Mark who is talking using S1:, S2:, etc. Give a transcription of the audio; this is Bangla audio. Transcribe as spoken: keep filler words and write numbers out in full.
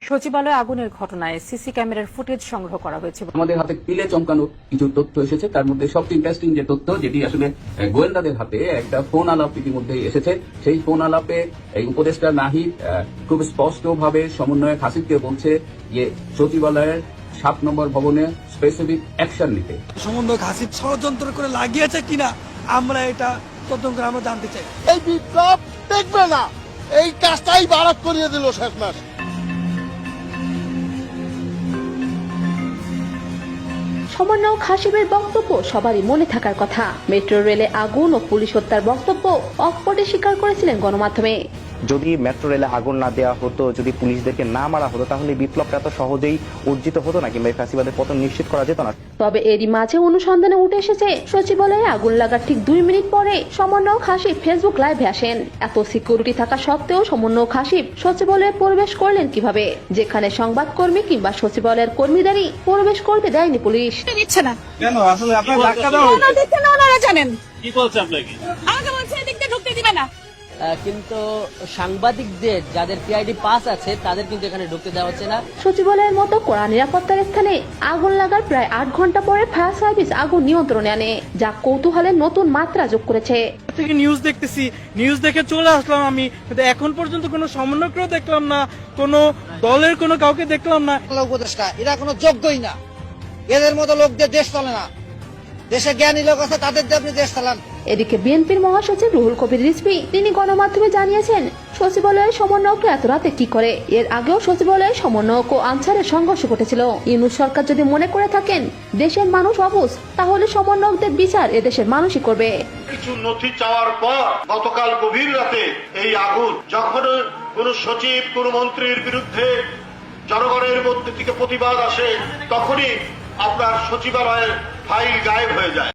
S1: সচিবালয়ে আগুনের ঘটনায় সিসি ক্যামেরার ফুটেজ সংগ্রহ করা হয়েছে।
S2: আমাদের হাতে পিলে চমকানো কিছু তথ্য এসেছে, তার মধ্যে সবচেয়ে ইন্টারেস্টিং যে তথ্য, যেটি আসলে গোয়েন্দাদের হাতে একটা ফোন আলাপ ইতিমধ্যে এসেছে। সেই ফোন আলাপে এই উপদেষ্টা নাহিদ খুব স্পষ্ট ভাবে সমন্বয়ক হাসিবকে বলছে যে সচিবালয়ের সাত নম্বর ভবনে স্পেসিফিক অ্যাকশন নিতে।
S3: সমন্বয়ক হাসিব ষড়যন্ত্র করে লাগিয়েছে কিনা আমরা এটা তদন্ত করে আমরা জানতে চাই।
S4: এই বিপ্লব দেখবে না, এই কাজটাই বাড়াত করিয়ে দিল শেষ মাস।
S5: সমন্বয়ক হাসিবের বক্তব্য সবারই মনে থাকার কথা। মেট্রো রেলে আগুন ও পুলিশ হত্যার বক্তব্য অকপটে স্বীকার করেছিলেন গণমাধ্যমে।
S6: যদি মেট্রো রেলে আগুন না দেওয়া হতো, যদি পুলিশদেরকে না মারা হতো, তাহলে বিপ্লবটা এত সহজেই অর্জিত হতো না, কিংবা ফ্যাসিবাদের পতন নিশ্চিত করা যেত না।
S5: তবে এরই মাঝে অনুসন্ধানে উঠে এসেছে সচিবালয়ে আগুন লাগার ঠিক দুই মিনিট পরে সমন্বয়ক হাসিব ফেসবুক লাইভে আসেন। এত সিকিউরিটি থাকা সত্ত্বেও সমন্বয়ক হাসিব সচিবালয়ে প্রবেশ করলেন কিভাবে, যেখানে সংবাদকর্মী কিংবা সচিবালয়ের কর্মীদেরই প্রবেশ করতে দেয়নি পুলিশ।
S7: দিচ্ছে না
S3: কেন? আসলে আপনার ধাক্কা দেওয়া হয়েছে।
S7: দিচ্ছে না, ওনারা জানেন
S8: কি বলছে আপনাকে?
S7: আমাকে বলছে এদিক দিয়ে ঢুকতে দিবে না।
S9: কিন্তু সাংবাদিকদের যাদের পিআইডি পাস আছে তাদের কিন্তু এখানে ঢুকতে দেওয়া হচ্ছে না।
S5: সচিবালয়ের মতো কড়া নিরাপত্তার স্থানে আগুন লাগার প্রায় আট ঘন্টা পরে ফায়ার সার্ভিস আগুন নিয়ন্ত্রণে আনে, যা কৌতূহলের নতুন মাত্রা যোগ করেছে।
S3: থেকে নিউজ দেখতেছি, নিউজ দেখে চলে আসলাম আমি, কিন্তু এখন পর্যন্ত কোনো সমন্বয়কও দেখলাম না, কোনো দলের কোনো কাউকে দেখলাম না।
S10: উপদেষ্টা এরা কোনো যোগ্যই না, এদের মতো লোকদের দেশ চলে না। দেশে জ্ঞানী লোক আছে, তাদের দিয়ে আপনি দেশ চালান।
S5: এদিকে বিএনপির মহাসচিব রুহুল কবির রিজভী তিনি গণমাধ্যমে জানিয়েছেন সচিবালয়ের সমন্বয়ক এত রাতে কি করে। এর আগেও সচিবালয়ে সমন্বয়ক ও আনসারের সংঘর্ষ ঘটেছিল। ইউনূস সরকার যদি মনে করে থাকেন দেশের মানুষ অবুঝ, তাহলে সমন্বয়কদের বিচার এদেশের মানুষই করবে।
S4: কিছু নথি চাওয়ার পর গতকাল গভীর রাতে এই আগুন, যখন কোন সচিব কোন মন্ত্রীর বিরুদ্ধে জনগণের মধ্যে থেকে প্রতিবাদ আসে, তখনই আপনার সচিবালয়ের ফাইল গায়েব হয়ে যায়।